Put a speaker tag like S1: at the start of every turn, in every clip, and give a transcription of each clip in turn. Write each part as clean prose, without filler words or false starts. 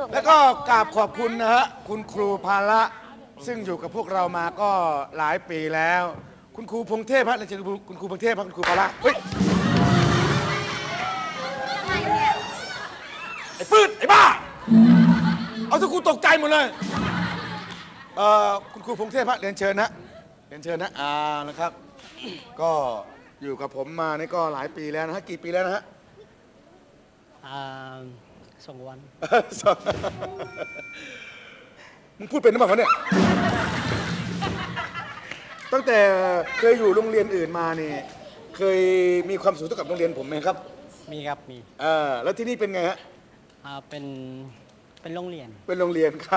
S1: ลูก
S2: แล้วก็กราบขอบคุณนะฮะคุณครูภาระซึ่งอยู่กับพวกเรามาก็หลายปีแล้ว คุณครูพงเทพฮะเรียนเชิญคุณครูพงเทพครับคุณครูภาระเฮ้ยไอ้ปื้ดไอ้บ้าเอาทุกครูตกใจหมดเลยคุณครูพงเทพฮะเรียนเชิญนะเรียนเชิญนะนะครับ ก็อยู่กับผมมานี่ก็หลายปีแล้วนะฮะกี่ปีแล้วนะฮะ
S3: 2 วัน
S2: มึงพูดเป็นหรือเปล่าเนี่ยตั้งแต่เคยอยู่โรงเรียนอื่นมานี่เคยมีความสุขเท่ากับโรงเรียนผมไหมครับ
S3: มีครับ มี
S2: แล้วที่นี่เป็นไงฮะ
S3: เป็นโรงเรียน
S2: เป็นโรงเรียนครับ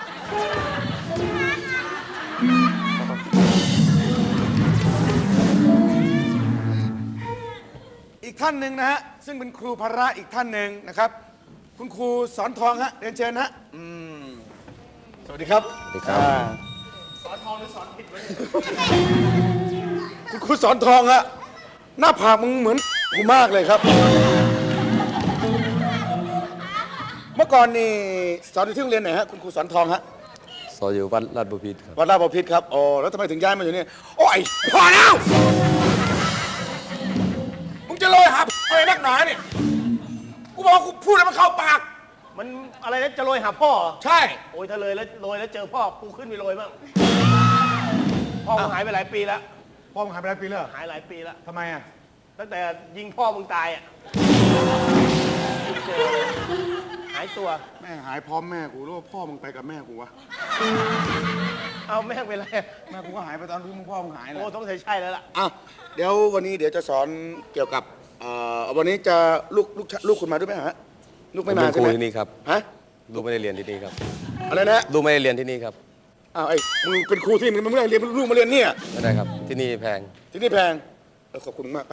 S2: อีกท่านหนึ่งนะฮะซึ่งเป็นครูภาระอีกท่านหนึ่งนะครับ คุณครูสอนทองฮะเรียนเชิญฮะสวัสดีครับ
S4: สวัสดีครับ
S2: สอนทองหรือสอนผิดวะคุณครูสอนทองฮะหน้าผากมึงเหมือนกูมากเลยครับ เมื่อก่อนนี่สอนอยู่ที่โรงเรียนไหนฮะคุณครูสอนทองฮะ
S4: สอนอยู่วัดลาดบุพิตรครับ
S2: วัดราชบพิตรครับอ๋อแล้วทำไมถึงย้ายมาอยู่นี่โอ้ยพอแล้วมึงจะโรยหาอะไรนักหนาเนี่ยกูบอกว่ากูพูดแล้วมันเข้าปาก
S5: มันอะไรนะจะโรยหาพ่อเหรอ
S2: ใช่
S5: โอ้ยถ้าเลยแล้วโรยแล้วเจอพ่อกูขึ้นไปโรยบ้างพ่อมึงหายไปหลายปีแล้ว
S2: พ่อมึงหายไปหลายปีแล้ว
S5: หายหลายปีแล้ว
S2: ทำไมอ่ะ
S5: ตั้งแต่ยิงพ่อมึงตายอ่ะเจอหายตัว
S2: แม่งหายพร้อมแม่กูรู้ว่าพ่อมึงไปกับแม่กูวะ
S5: เอาแม่งไปเลย
S2: แม่กูก็หายไปตอนที่มึงพ่อมึงหายแหละ
S5: โอ้ต้องใช่แล้วล่ะ
S2: อ่ะเดี๋ยววันนี้เดี๋ยวจะสอนเกี่ยวกับวันนี้จะลูกคุณมาด้วยไหมฮะลูก
S4: ผม
S2: ไม่
S4: เป็
S2: มาน
S4: ครู
S2: ใช่ไหม
S4: ที่นี่ครับ
S2: ฮะ
S4: ลูกไม่ได้เรียนที่นี่ครับ
S2: อะไรนะ
S4: ลูกไม่ได้เรียนที่นี่ครับ
S2: อ้าวไอ้มึงเป็นครูที่มึงไม่ได้เรียนลูกมาเรียนเนี่ย
S4: ไม่ได้ครับ ที่นี่แพง
S2: ที่นี่แพงขอบคุณมากไป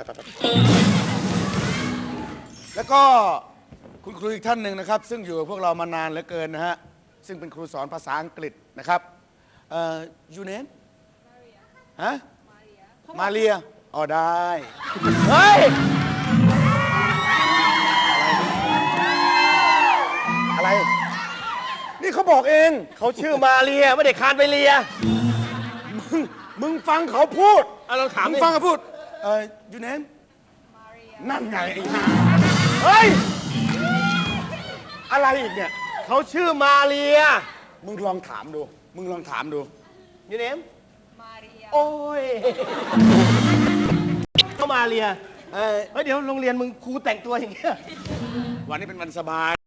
S2: แล้วก็คุณครูอีกท่านหนึ่งนะครับ ซึ่งอยู่กับพวกเรามานานเหลือเกินนะฮะซึ่งเป็นครูสอนภาษาอังกฤษนะครับยูเนมฮะมาเรียอ๋อได้เฮ้ยอะไรนี่เขาบอกเอง
S5: เขาชื่อมาเรียไม่ได้คานไปเรีย
S2: มึงฟังเขาพูด
S5: เอาเราถาม
S2: มึ
S5: ดิ
S2: งฟังเขาพูดยูเนมนั่นไงไอ้ห่า
S5: เฮ้ย
S2: อะไรอีกเนี่ย
S5: เขาชื่อมาเรีย
S2: มึงลองถามดู มึงลองถามดู
S5: ยูเนมโอ้ยเขามาเรียเฮ้ยเดี๋ยวโรงเรียนมึงครูแต่งตัวอย่างเงี้ย
S2: วันนี้เป็นวันสบาย